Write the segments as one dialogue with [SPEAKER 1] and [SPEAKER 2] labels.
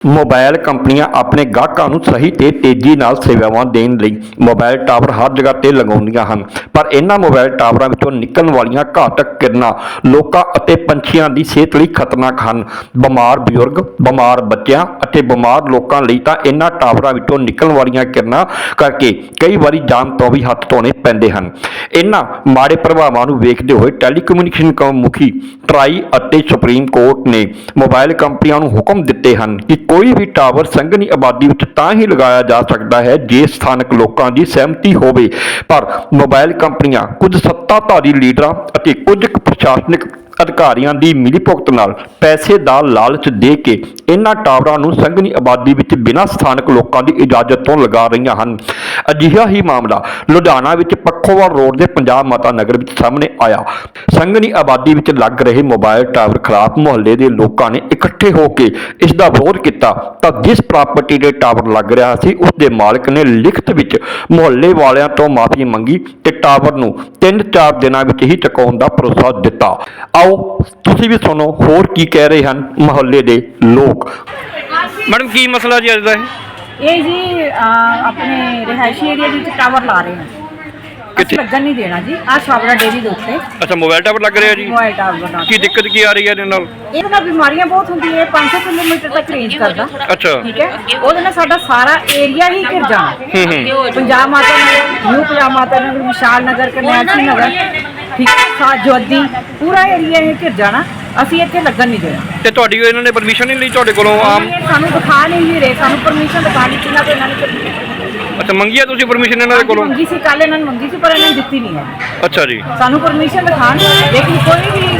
[SPEAKER 1] Mobile ਕੰਪਨੀਆਂ ਆਪਣੇ ਗਾਹਕਾਂ ਨੂੰ ਸਹੀ ਤੇ ਤੇਜ਼ੀ ਨਾਲ ਸੇਵਾਵਾਂ ਦੇਣ ਲਈ ਮੋਬਾਈਲ ਟਾਵਰ ਹਰ ਜਗ੍ਹਾ ਤੇ ਲਗਾਉਂਦੀਆਂ ਹਨ, ਪਰ ਇਹਨਾਂ ਮੋਬਾਈਲ ਟਾਵਰਾਂ ਵਿੱਚੋਂ ਨਿਕਲਣ ਵਾਲੀਆਂ ਘਾਤਕ ਕਿਰਨਾਂ ਲੋਕਾਂ ਅਤੇ ਪੰਛੀਆਂ ਦੀ ਸਿਹਤ ਲਈ ਖਤਰਨਾਕ ਹਨ। ਬਿਮਾਰ ਬਜ਼ੁਰਗ, ਬਿਮਾਰ ਬੱਚਿਆਂ ਅਤੇ ਬਿਮਾਰ ਲੋਕਾਂ ਲਈ ਤਾਂ ਇਹਨਾਂ ਟਾਵਰਾਂ ਵਿੱਚੋਂ ਨਿਕਲਣ ਵਾਲੀਆਂ ਕਿਰਨਾਂ ਕਰਕੇ ਕਈ ਵਾਰੀ ਜਾਨ ਤੋਂ ਵੀ ਹੱਥ ਧੋਣੇ ਪੈਂਦੇ ਹਨ। ਇਹਨਾਂ ਮਾੜੇ ਪ੍ਰਭਾਵਾਂ ਨੂੰ ਵੇਖਦੇ ਹੋਏ ਟੈਲੀਕਮਿਊਨੀਕੇਸ਼ਨ ਮੁਖੀ ਟਰਾਈ ਅਤੇ ਸੁਪਰੀਮ ਕੋਰਟ ਨੇ ਮੋਬਾਈਲ ਕੰਪਨੀਆਂ ਨੂੰ ਹੁਕਮ ਦਿੱਤੇ ਹਨ ਕਿ ਕੋਈ ਵੀ ਟਾਵਰ ਸੰਘਣੀ ਆਬਾਦੀ ਵਿੱਚ ਤਾਂ ਹੀ ਲਗਾਇਆ ਜਾ ਸਕਦਾ ਹੈ ਜੇ ਸਥਾਨਕ ਲੋਕਾਂ ਦੀ ਸਹਿਮਤੀ ਹੋਵੇ, ਪਰ ਮੋਬਾਈਲ ਕੰਪਨੀਆਂ ਕੁਝ ਸੱਤਾਧਾਰੀ ਲੀਡਰਾਂ ਅਤੇ ਕੁਝ ਪ੍ਰਸ਼ਾਸਨਿਕ ਅਧਿਕਾਰੀਆਂ ਦੀ ਮਿਲੀਭੁਗਤ ਨਾਲ ਪੈਸੇ ਦਾ ਲਾਲਚ ਦੇ ਕੇ ਇਹਨਾਂ ਟਾਵਰਾਂ ਨੂੰ ਸੰਘਣੀ ਆਬਾਦੀ ਵਿੱਚ ਬਿਨਾਂ ਸਥਾਨਕ ਲੋਕਾਂ ਦੀ ਇਜਾਜ਼ਤ ਤੋਂ ਲਗਾ ਰਹੀਆਂ ਹਨ। ਅਜਿਹਾ ਹੀ ਮਾਮਲਾ ਲੁਧਿਆਣਾ ਵਿੱਚ ਪੱਖੋਵਾਲ ਰੋਡ ਦੇ ਪੰਜਾਬ ਮਾਤਾ ਨਗਰ ਵਿੱਚ ਸਾਹਮਣੇ ਆਇਆ। ਸੰਘਣੀ ਆਬਾਦੀ ਵਿੱਚ ਲੱਗ ਰਹੇ ਮੋਬਾਈਲ ਟਾਵਰ ਖਿਲਾਫ ਮੁਹੱਲੇ ਦੇ ਲੋਕਾਂ ਨੇ ਇਕੱਠੇ ਹੋ ਕੇ ਇਸ ਦਾ ਵਿਰੋਧ ਕੀਤਾ ਤਾਂ ਜਿਸ ਪ੍ਰਾਪਰਟੀ ਦੇ ਟਾਵਰ ਲੱਗ ਰਿਹਾ ਸੀ ਉਸ ਦੇ ਮਾਲਕ ਨੇ ਲਿਖਤ ਵਿੱਚ ਮੁਹੱਲੇ ਵਾਲਿਆਂ ਤੋਂ ਮਾਫੀ ਮੰਗੀ ਤੇ ਟਾਵਰ ਨੂੰ 3-4 ਦਿਨਾਂ ਵਿੱਚ ਹੀ ਚੁਕਾਉਣ ਦਾ ਭਰੋਸਾ ਦਿੱਤਾ। ਆਓ ਤੁਸੀਂ ਵੀ ਸੁਣੋ ਹੋਰ ਕੀ ਕਹਿ ਰਹੇ ਹਨ ਮੁਹੱਲੇ ਦੇ ਲੋਕ।
[SPEAKER 2] ਮੈਡਮ ਕੀ ਮਸਲਾ ਜੀ ਅੱਜ ਦਾ
[SPEAKER 3] ਇਹ ਜੀ ਆਪਣੇ ਰਿਹਾਇਸ਼ੀ ਏਰੀਆ ਵਿੱਚ ਟਾਵਰ ਲਾ ਰਹੇ ਹਾਂ। ਕਿੱਥੇ ਲੱਗਣ ਨਹੀਂ ਦੇਣਾ ਜੀ। ਆਹ ਛਾਬੜਾ ਡੇਰੀ ਦੇ ਉੱਤੇ।
[SPEAKER 2] ਅੱਛਾ, ਮੋਬਾਈਲ ਟਾਵਰ ਲੱਗ ਰਿਹਾ ਜੀ।
[SPEAKER 3] ਮੋਬਾਈਲ ਟਾਵਰ ਦਾ
[SPEAKER 2] ਕੀ ਦਿੱਕਤ ਕੀ ਆ ਰਹੀ ਹੈ ਇਹਦੇ ਨਾਲ?
[SPEAKER 3] ਇਹਦੇ ਨਾਲ ਬਿਮਾਰੀਆਂ ਬਹੁਤ ਹੁੰਦੀਆਂ ਹੈ। 500 ਕਿਲੋਮੀਟਰ ਤੱਕ ਰੇਂਜ ਕਰਦਾ।
[SPEAKER 2] ਅੱਛਾ,
[SPEAKER 3] ਠੀਕ ਹੈ। ਉਹਦੇ ਨਾਲ ਸਾਡਾ ਸਾਰਾ ਏਰੀਆ ਹੀ ਘਿਰ ਜਾਣਾ। ਪੰਜਾਬ ਮਾਤਾ ਨਗਰ, ਨਿਊ ਪੰਜਾਬ ਮਾਤਾ ਨਗਰ, ਵਿਸ਼ਾਲ ਨਗਰ, ਕਰਨੈਲ ਨਗਰ, ਠੀਕ ਹੈ, ਜੋਦੀ ਪੂਰਾ ਏਰੀਆ ਇਹ ਘਿਰ ਜਾਣਾ। ਅਸੀਂ ਇੱਥੇ ਲੱਗਣ ਨਹੀਂ ਦੇਣਾ।
[SPEAKER 2] ਤੇ ਤੁਹਾਡੀ ਇਹਨਾਂ ਨੇ ਪਰਮਿਸ਼ਨ ਨਹੀਂ ਲਈ ਤੁਹਾਡੇ ਕੋਲੋਂ? ਆਮ
[SPEAKER 3] ਸਾਨੂੰ ਦਿਖਾ ਨਹੀਂ ਰਹੇ, ਸਾਨੂੰ ਪਰਮਿਸ਼ਨ ਦਿਖਾ ਨਹੀਂ ਕਿਨਾਂ ਤੋਂ ਇਹਨਾਂ ਨੇ।
[SPEAKER 2] ਅੱਛਾ, ਮੰਗੀ ਆ ਤੁਸੀਂ ਪਰਮਿਸ਼ਨ ਇਹਨਾਂ ਦੇ ਕੋਲੋਂ?
[SPEAKER 3] ਮੰਗੀ ਸੀ, ਕੱਲ ਇਹਨਾਂ ਨੇ ਮੰਗੀ ਸੀ ਪਰ ਇਹਨਾਂ ਨੇ ਦਿੱਤੀ ਨਹੀਂ ਹੈ।
[SPEAKER 2] ਅੱਛਾ ਜੀ,
[SPEAKER 3] ਸਾਨੂੰ ਪਰਮਿਸ਼ਨ ਦਿਖਾਣ, ਲੇਕਿਨ ਕੋਈ ਵੀ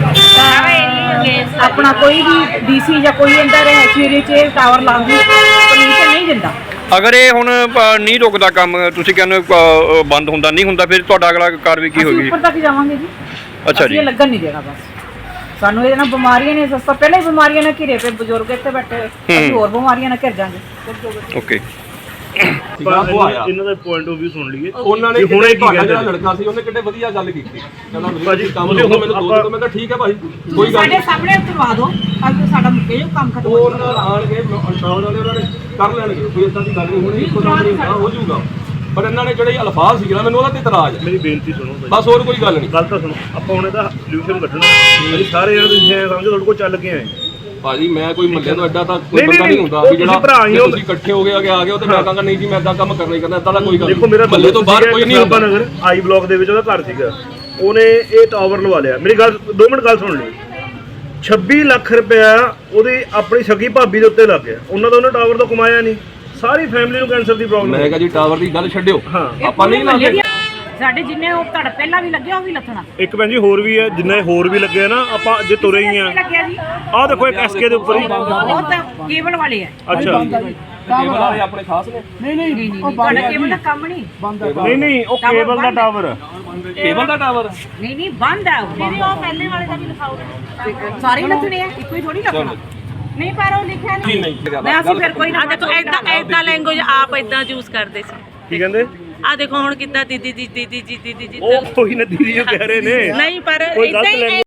[SPEAKER 3] ਆਪਣਾ ਕੋਈ ਵੀ ਡੀਸੀ ਜਾਂ ਕੋਈ ਅੰਦਰ ਰਿਹਾਇਸ਼ੀ ਏਰੀਏ 'ਚ ਟਾਵਰ ਲਾਉਣ ਦੀ ਪਰਮਿਸ਼ਨ ਨਹੀਂ ਦਿੰਦਾ।
[SPEAKER 2] ਅਗਰ ਇਹ ਹੁਣ ਨਹੀਂ ਰੁਕਦਾ ਕੰਮ, ਤੁਸੀਂ ਕਹਿੰਦੇ ਬੰਦ ਹੁੰਦਾ ਨਹੀਂ ਹੁੰਦਾ, ਫਿਰ ਤੁਹਾਡਾ ਅਗਲਾ ਕਾਰਵਾਈ ਕੀ ਹੋਏਗੀ?
[SPEAKER 3] ਉੱਪਰ ਤੱਕ ਜਾਵਾਂਗੇ ਜੀ।
[SPEAKER 2] ਅੱਛਾ ਜੀ,
[SPEAKER 3] ਇਹ ਲੱਗਣ ਨਹੀਂ ਦੇਣਾ। ਬਸ ਸਾਨੂੰ ਇਹਦੇ ਨਾਲ ਬਿਮਾਰੀਆਂ ਨੇ, ਸਸਤਾ ਪਹਿਲਾਂ ਹੀ ਬਿਮਾਰੀਆਂ ਨਾਲ ਘਿਰੇ ਪਏ ਬਜ਼ੁਰਗ ਇੱਥੇ ਬੈਠੇ, ਅਸੀਂ ਹੋਰ ਬਿਮਾਰੀਆਂ ਨਾਲ ਘਿਰ ਜਾਵਾਂਗੇ।
[SPEAKER 2] ਓਕੇ।
[SPEAKER 4] ਇਹਨਾਂ ਦਾ ਪੁਆਇੰਟ ਆਫ View ਸੁਣ ਲਈਏ।
[SPEAKER 5] ਉਹਨਾਂ ਨੇ ਹੁਣੇ ਕੀ ਕਹਿੰਦੇ, ਜਿਹੜਾ ਲੜਕਾ ਸੀ ਉਹਨੇ ਕਿੰਨੇ ਵਧੀਆ ਗੱਲ ਕੀਤੀ। ਕਹਿੰਦਾ ਮੇਰੇ ਕੰਮ ਨੂੰ ਮੈਨੂੰ ਦੋ ਦਿਓ। ਮੈਂ ਕਿਹਾ ਠੀਕ ਹੈ ਭਾਈ, ਕੋਈ ਗੱਲ
[SPEAKER 3] ਸਾਡੇ ਸਾਹਮਣੇ ਉਤਰਵਾ ਦਿਓ, ਅੱਜ ਸਾਡਾ ਮੁੱਕੇ ਜੋ ਕੰਮ ਖਤਮ ਹੋ
[SPEAKER 5] ਉਹਨਾਂ ਆਣਗੇ ਅੰਸ਼ਾਵਲ ਵਾਲੇ ਉਹਨਾਂ ਨੇ ਕਰ ਲੈਣਗੇ। ਕੋਈ ਇਦਾਂ ਦੀ ਗੱਲ ਨਹੀਂ ਹੋਣੀ, ਇੱਕੋ ਦਮ ਨਹੀਂ ਹੋ ਜਾਊਗਾ। ਪਰ ਇਹਨਾਂ ਨੇ ਜਿਹੜੇ ਅਲਫਾਜ਼ ਸੀਗੇ ਨਾ, ਮੈਨੂੰ ਉਹਦਾ ਤੇ ਇਤਰਾਜ਼ ਹੈ।
[SPEAKER 4] ਮੇਰੀ ਬੇਨਤੀ ਸੁਣੋ
[SPEAKER 5] ਬਸ, ਹੋਰ ਕੋਈ ਗੱਲ ਨਹੀਂ।
[SPEAKER 4] ਗੱਲ ਤਾਂ ਸੁਣੋ। ਆਪਾਂ ਹੁਣ ਇਹਦਾ ਸੋਲੂਸ਼ਨ ਕੱਢਣਾ। ਅਸੀਂ ਸਾਰੇ ਜਣੇ ਤੁਸੀਂ ਸਮਝੋ ਤੁਹਾਡੇ ਕੋਲ ਚੱਲ ਕੇ ਆਏ
[SPEAKER 5] ਭਾਜੀ। ਮੈਂ ਕੋਈ ਮੱਲੇ ਤੋਂ ਐਡਾ ਤਾਂ ਕੋਈ ਬੰਦਾ ਨਹੀਂ ਹੁੰਦਾ ਵੀ ਜਿਹੜਾ ਤੁਸੀਂ ਇਕੱਠੇ ਹੋ ਗਏ ਆ ਗਏ ਹੋ ਤੇ ਮੈਂ ਕਹਾਂਗਾ ਨਹੀਂ ਜੀ ਮੈਂ ਇਦਾਂ ਕੰਮ ਕਰਨਾ ਹੀ ਕਰਨਾ। ਇਦਾਂ ਦਾ ਕੋਈ ਗੱਲ ਨਹੀਂ। ਮੱਲੇ ਤੋਂ ਬਾਹਰ ਕੋਈ ਨਹੀਂ ਹੁੰਦਾ।
[SPEAKER 4] ਨਗਰ ਆਈ ਬਲਾਕ ਦੇ ਵਿੱਚ ਉਹਦਾ ਘਰ ਸੀਗਾ, ਉਹਨੇ ਇਹ ਟਾਵਰ ਲਵਾ ਲਿਆ। ਮੇਰੀ ਗੱਲ 2 ਮਿੰਟ ਗੱਲ ਸੁਣ ਲਈ। 26 ਲੱਖ ਰੁਪਇਆ ਉਹਦੀ ਆਪਣੀ ਸਗੀ ਭਾਬੀ ਦੇ ਉੱਤੇ ਲੱਗ ਗਿਆ। ਉਹਨਾਂ ਦਾ ਉਹਨੇ ਟਾਵਰ ਤੋਂ ਕਮਾਇਆ ਨਹੀਂ। ਸਾਰੀ ਫੈਮਿਲੀ ਨੂੰ ਕੈਂਸਰ ਦੀ ਪ੍ਰੋਬਲਮ।
[SPEAKER 5] ਮੈਂ ਕਿਹਾ ਜੀ ਟਾਵਰ ਦੀ ਗੱਲ ਛੱਡਿਓ, ਆਪਾਂ ਨਹੀਂ ਲਾਉਂਦੇ।
[SPEAKER 3] ਸਾਡੇ ਜਿੰਨੇ ਉਹ ਤੁਹਾਡਾ ਪਹਿਲਾਂ ਵੀ ਲੱਗਿਆ ਉਹ ਵੀ ਲੱਥਣਾ।
[SPEAKER 4] ਇੱਕ ਭੈਣ ਜੀ ਹੋਰ ਵੀ ਹੈ, ਜਿੰਨੇ ਹੋਰ ਵੀ ਲੱਗੇ ਨਾ, ਆਪਾਂ ਜੇ ਤੁਰੇ ਹੀ ਆ। ਆਹ ਦੇਖੋ ਇੱਕ ਐਸਕੇ ਦੇ ਉੱਪਰ ਹੀ
[SPEAKER 3] ਉਹ ਤਾਂ ਕੇਬਲ ਵਾਲੇ ਆ।
[SPEAKER 4] ਅੱਛਾ,
[SPEAKER 5] ਕੇਬਲ ਵਾਲੇ ਆਪਣੇ ਖਾਸ ਨੇ।
[SPEAKER 3] ਨਹੀਂ ਤੁਹਾਡਾ ਕੇਬਲ ਦਾ ਕੰਮ ਨਹੀਂ।
[SPEAKER 4] ਨਹੀਂ ਉਹ ਕੇਬਲ ਦਾ ਟਾਵਰ।
[SPEAKER 5] ਕੇਬਲ ਦਾ ਟਾਵਰ
[SPEAKER 3] ਨਹੀਂ ਬੰਦ ਆ। ਉਹ ਪਹਿਲੇ ਵਾਲੇ ਦਾ ਵੀ ਲਿਖਾਓ। ਸਾਰੇ ਲੱਥਣੇ ਆ, ਇੱਕੋ ਹੀ ਥੋੜੀ ਲੱਥਣਾ। ਨਹੀਂ ਪਰ ਉਹ ਲਿਖਿਆ ਨਹੀਂ। ਮੈਂ ਅਸੀਂ ਫਿਰ ਕੋਈ ਨਾ
[SPEAKER 6] ਦੇਖੋ ਐਦਾਂ ਲੈਂਗੁਏਜ ਆਪ ਐਦਾਂ ਯੂਜ਼ ਕਰਦੇ ਸੀ।
[SPEAKER 4] ਕੀ ਕਹਿੰਦੇ?
[SPEAKER 6] ਆ ਦੇਖੋ ਹੁਣ ਕਿੱਦਾਂ ਦੀਦੀ ਜੀ ਦੀਦੀ ਜੀ ਦੀਦੀ ਜੀ।
[SPEAKER 4] ਉਹ ਕੋਈ ਨਾ ਦੀਦੀ ਜੋ ਕਹਿ ਰਹੇ ਨੇ।
[SPEAKER 6] ਨਹੀਂ ਪਰ ਇਦਾਂ ਹੀ